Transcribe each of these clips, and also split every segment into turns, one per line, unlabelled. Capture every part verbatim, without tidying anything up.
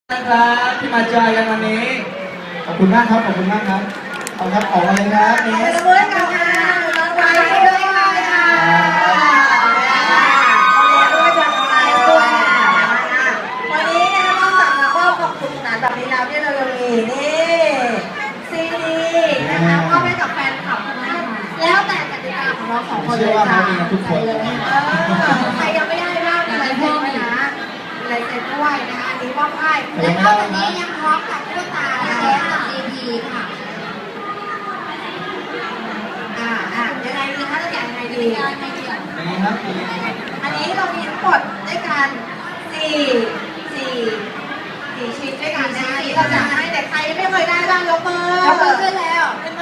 นะครับที่มาจอยกันวันนี้ขอบคุณมากครับขอบคุณมากครับเอาครับออกมาเลยครับเนส
เพื่อนกันค่ะน้องไว้ด้วยค่ะด้วยจากไลฟ์ด้วยวันนี้นะคะนอกจากมาก็ขอบคุณสนานแบบนี้แล้วที่เรายังมีนี่ซีดีนะคะมอบให้กับแฟนคลับนะแล้วแต่กติกาของเราสองคนเลยค่ะใครยังไม่ได้บ้างมีอะไรเพิ่มไหมนะอะไรเซ็นด้วยนะคะอันนี้มอบให้และนอกจากนี้ยังพร้อมกับตุ๊กตาแท้จากซีดีค่ะอ่าอ่ายังไงดีคะจะแจกยังไงดียังไงดีอ่ะ
ยังไงครับ
อันนี้เรามีทั้งหมดด้วยกันสี่สี่สี่ชิ้นด้วยกันนะคะที่เราจะให้แต่ใครไม่เคยได้บ้างยกมือยกมือขึ้นแล้วเห็นไหม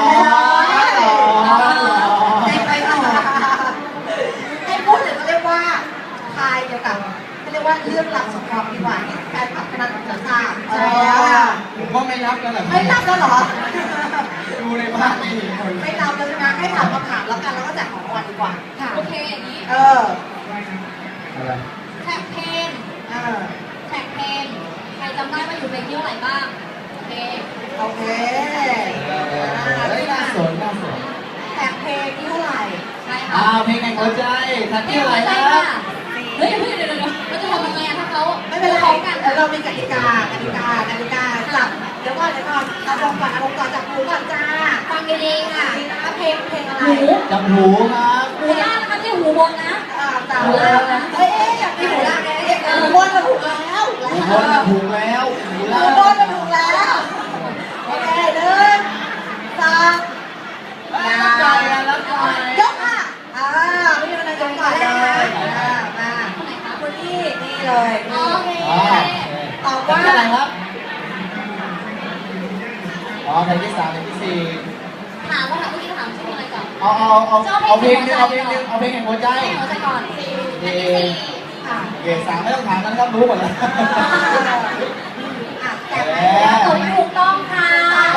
ได้ไปต่อให้พูดถึงเขาเรียกว่าทายเกี่ยวกับเขาเรียกว่าเรื่องราวสงครามดีกว่าที่แฟนคลับคณะจะทราบใช่แล้ว
ผมก็ไม่รับกันหรอ
ไม่รับแล้วเหรอ
ดูในบ้านไม่เห็นคน
ไม่รับแล้วนะให้ถามคำถามแล้วกันแล้วก็แจกของรางวัลดีกว่าค่ะ
โอเคอย่างนี้
เออ
อะไร
แท็กเพน
เออ
แท็กเพนใครจำได้ว่าอยู่เพลงที่เท่าไหร่บ้างโอเค
โอเค
เฮ้ยน่าสนน่าสน
แท็กเพลงที่เท่าไหร่
ใช่ค่ะ
อ้าวเพลงแห่งหัวใจทักที่อะไรครับ
เฮ้ยเดี๋ยวเดี๋ยวเดี๋ยวเราจะทำยังไงอะถ้าเขา
ไม่เป็นไรกันเรามีกติกากติกากติกาจับเดี๋ยวก่อนเดี๋ยวก่อนเอาลงก่อนเอาลงก่อนจับหูก่อนจ้า
ฟังดีๆค่ะ
เพลงเพลงอะไร
หู
จับหูครับ
หูล่างนะคะไม่ใช่หูบนนะ
อ่าจับหูล่างนะเฮ้ยอยากมีหูล่างไงหูบนมาถูกแล้ว
หูบนถูกแล้วหู
หู
ล่าง
บนมาถูกแล้วโอเคหนึ่งสอง
รับใจกันรับใจ
ยกค่ะอ่าไม่มีอะไรยกก่อนเลยอ่ามา
คนไหนคะ
คุณพี่นี่เลย
โอเค
ตอบว่า
อะไรครับอ๋อเพลงที่สามเพลงที่สี่
ถามว่าถามเมื่อกี้ถามชื่ออะไรก่อน
เอาเอาเอาเอาเพลงนึงเอาเพลงนึงเอาเพลงแห่งหัวใจ
เพลงหัวใจก่อนสี่อันที่สี่
ค่ะ
เกรดสามไม่ต้องถามกันครับรู้หมดแล้ว
อ่ะแต่
แล้วตอบถูกต้องค่ะ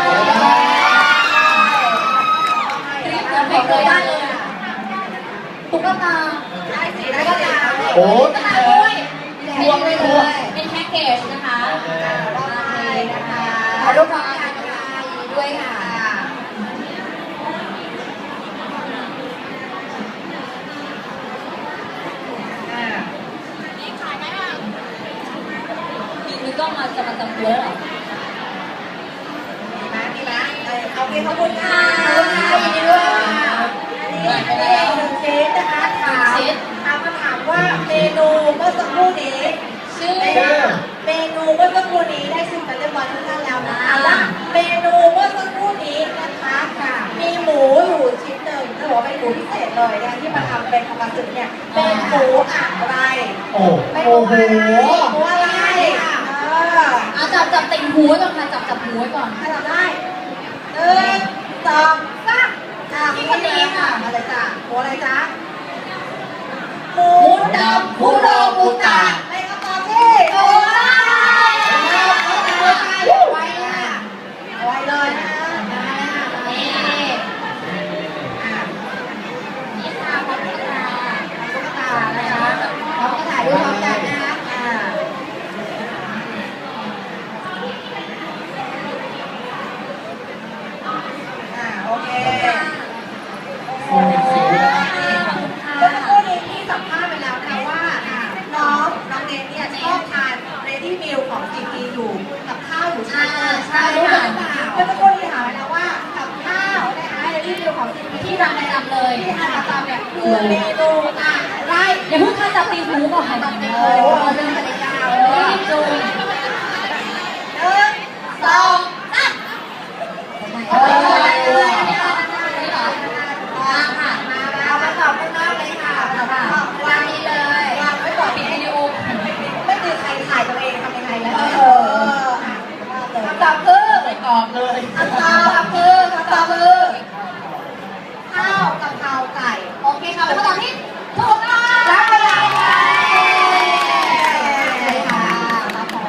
คลิปเราไม่เคยได้เลยตุ๊กตา
ได้สิได้ก็ตาม
โอ้
ตุ๊กตาด้วยรวมไปเลยเป็นแพ็กเกจนะคะ
มอบให้นะคะ
ขอรูปพร้อมกันนะคะยินดีด้วยค่ะนี่ขายไหมอ่ะมีกล้องมาจะมาจำตัวแล้วเหรอ
ดีไหมดีไหมโอเคขอบคุณค่ะขอบคุณค่ะยินดีด้วยนี่เป็นเองหนึ่งชิ้นนะคะถามถามมาถามว่าเมนูเมื่อสักครู่นี้
ชื่อ
เมนูเมื่อสักครู่นี้ได้ชิมกันเรียบร้อยทุกท่านแล้วนะคะว่าเมนูเมื่อสักครู่นี้นะคะมีหมูอยู่ชิ้นหนึ่งถือว่าเป็นหมูพิเศษเลยนะคะที่มาทำเป็นทำมาสึกเนี่ยเป็นหมูอะไร
โอ้
เป็น
โห
หมูอะไรหมูอะไรเออ
เอาจับจับติ่งหูไว้ก่อนค่ะจับจับหูไว้ก่อน
ถ้าทำได้หนึ่งสองสามอ่ะพี่คนนี้ค่ะอะไรจ้ะหมูอะไรจ๊ะหมูดำคุโรบุตะเป็นคำตอบที่ถูกต้องไว้ค่ะไว้เลยนะ
นี่นี่ค่ะพร้อมกันค่ะ
ตุ๊กตานะคะพร้อมกระถ่ายรูปพร้อมกันนะคะอ่าอ่าโอเคโอ้โหเมื่อสักครู่นี้ที่สัมภาษณ์ไปแล้วนะว่าน้องน้องเนทเนี่ยชอบทานเรดี้มิลของจีพีอยู่กับข้าวอยู่ใช่ไหมใช่รู้หรือเปล่าเมื่อสักครู่นี้ถามไปแล้วว่ากับข้าวนะคะเรดี้มิลของจีพี
ที่รังประจำเลย
ที่ทานประจำเนี่ยคือเมนูอะไร
อย่าเพิ่งค่ะจับติ่งหูก่อน
โอ้โหเรื่องกติกาเลย
รีบดู
หนึ่งสองสามโอ้ยเลยอันนี้เหรออันนี้เหรอมาค่ะมาเอามาตอบข้างนอกเลยค่ะวางนี้เลยวางไว้ก่อน
ปิดวิดีโอ
ไม่มีใครถ่ายตัวเองทำยังไงแล้วเออคำตอบคือ
ไม่ตอบเลย
คำตอบคือคำตอบคือข้าวกะเพราไก่
โอเคค่ะเป็นคำตอบที่ถูกต้อง
รับไปเลยค่ะรับของ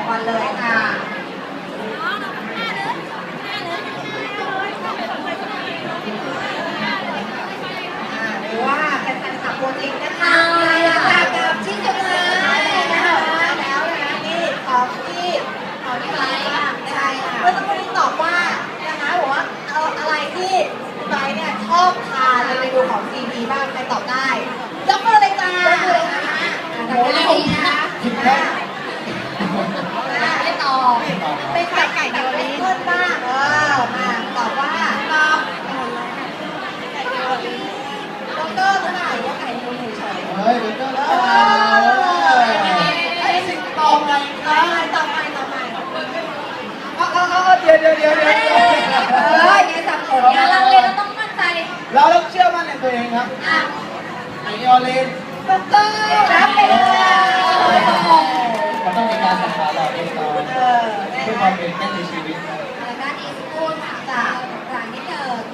เดี๋ยวเดี๋ยวเดี๋ยว
เอออย่าสับสน
อย่าลังเลเราต้องมั่นใจ
เราต้องเชื่อมั่นในตัวเองครับ
อ่ะ
ไอออเลนถูกต้อง
รับไปเลย
มันต้องมีการสังหารเราเองก่อน
เออ
เพื่อความเป็นแม่ในชีวิต
แล้วด้านอีสปูนค่ะจากหลังนิดเดิม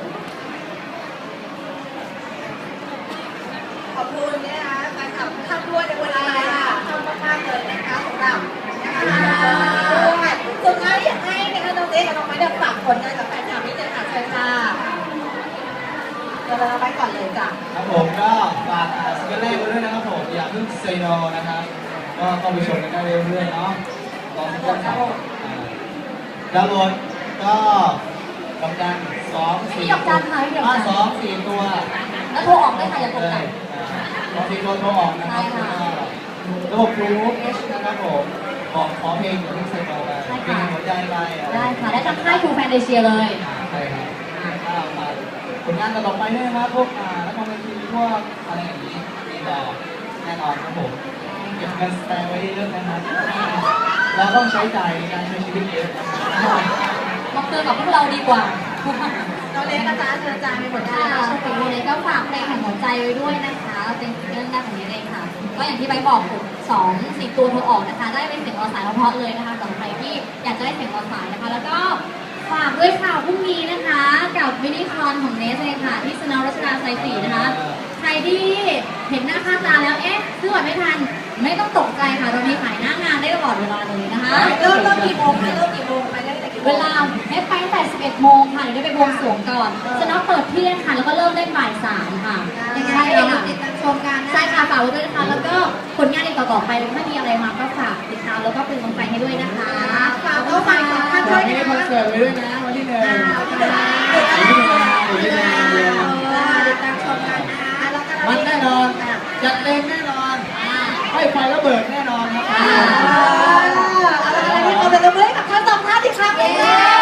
ขอบคุณนะคะแฟนคลับทุกท่านด้วยในวันนี้นะคะขอบคุณมากๆเลยนะคะสำหรับนะคะด้วยสุดท้ายอยากให้นะคะน้องเจ๊กับน้องไม้เดี๋ยวฝากผลงานกับแฟนคลับนิดนึงค่ะเชิญค่ะเดี๋ยวเราไปก่อนเลยจ้ะ
ครับผมก็ฝากซิงเกิลแรกไว้ด้วยนะครับผมอย่าเพิ่งเซโนนะครับก็เข้าไปชมกันได้เรื่อยๆเนาะลองซิงเกิลสองดาวน์โหลดก็กำลังสองสี่ตัวสองสี่ตัว
แล้วโทรออกได้ค่ะอย่ากด
เล
ดั
ย
น
สองสี่ตัวโทรออกนะครับระบบรูปนะครับผมบอกขอเพลงอย่าเพิ่งเซโนไปเพลงหัวใจไป
ได้ค่ะได้ทั้งค่ายทูแฟนเดเชียเลย
ใช่ครับก็มาผลงานต่อไปด้วยนะครับพวกอ่านักคอมเมดี้พวกอะไรอย่างนี้มีต่อแน่นอนครับผมเก็บเงินสแตนไว้เยอะนะครับเราต้องใช้จ่ายในการใช้ชีวิตเยอะนะครับ
มาเตือนกับพวกเราดีกว่า
น้องเล็กอาจารย์เชิญอาจารย์มีผลงา
ค่ะ
นอะไร
ช่วงปีนี้ก็ฝากเพลงแห่งหัวใจไว้ด้วยนะคะ เป็นเรื่องแรกของนี้เองค่ะ ก็อย่างที่ใบบอกผมสองสี่ตัวโทรออกนะคะ ได้เป็นเสียงรอสายเพราะๆเลยนะคะสำหรับใครที่อยากจะได้เสียงรอสายนะคะ แล้วก็ฝากด้วยค่ะพรุ่งนี้นะคะ กับมินิคอนของเนสเลยค่ะ ที่สนามรัชดาซอยสี่นะคะ ใครที่เห็นหน้าค่าตาแล้วเอ๊ะซื้อบัตรไม่ทัน ไม่ต้องตกใจค่ะเรามีขายหน้างานได้ตลอดเวลาเลยนะคะ
เริ่มเริ่มกี่โมงคะเริ่มกี่โมงไปได้แต่กี่โมง
เวลาให้ไปตั้งแต่สิบเอ็ดโมงค่ะเดี๋ยวได้ไปบวงสรวงก่อนสนามเปิดเที่ยงค่ะ แล้วก็เริ่มได้บ่ายสามค่ะ
ยังไง
ใช่
เดี๋ยว
ค่ะ
ติดตามชมกันนะ
ใช่ค่ะฝากไว้ด้วยนะคะ แล้วก็ผลงานอีกต่อๆไปถ้ามีอะไรมาก็ฝากติดตามแล้วก็เป็นกำลังใจให้ด้วยนะคะ
ฝากเอาฝากของท่าน
ฝากนี้คอนเสิร์ตไว้ด้วยนะวันที่หนึ่ง
ติดตามชมกันนะคะแล้วก็
มันแน่นอนจัดเต็มแน่นอนให้ไฟระเบิดแน่นอนครับ
อะไรที่เราเป็นเรื่องกับท่านสองท่านอีกครั้งหนึ่ง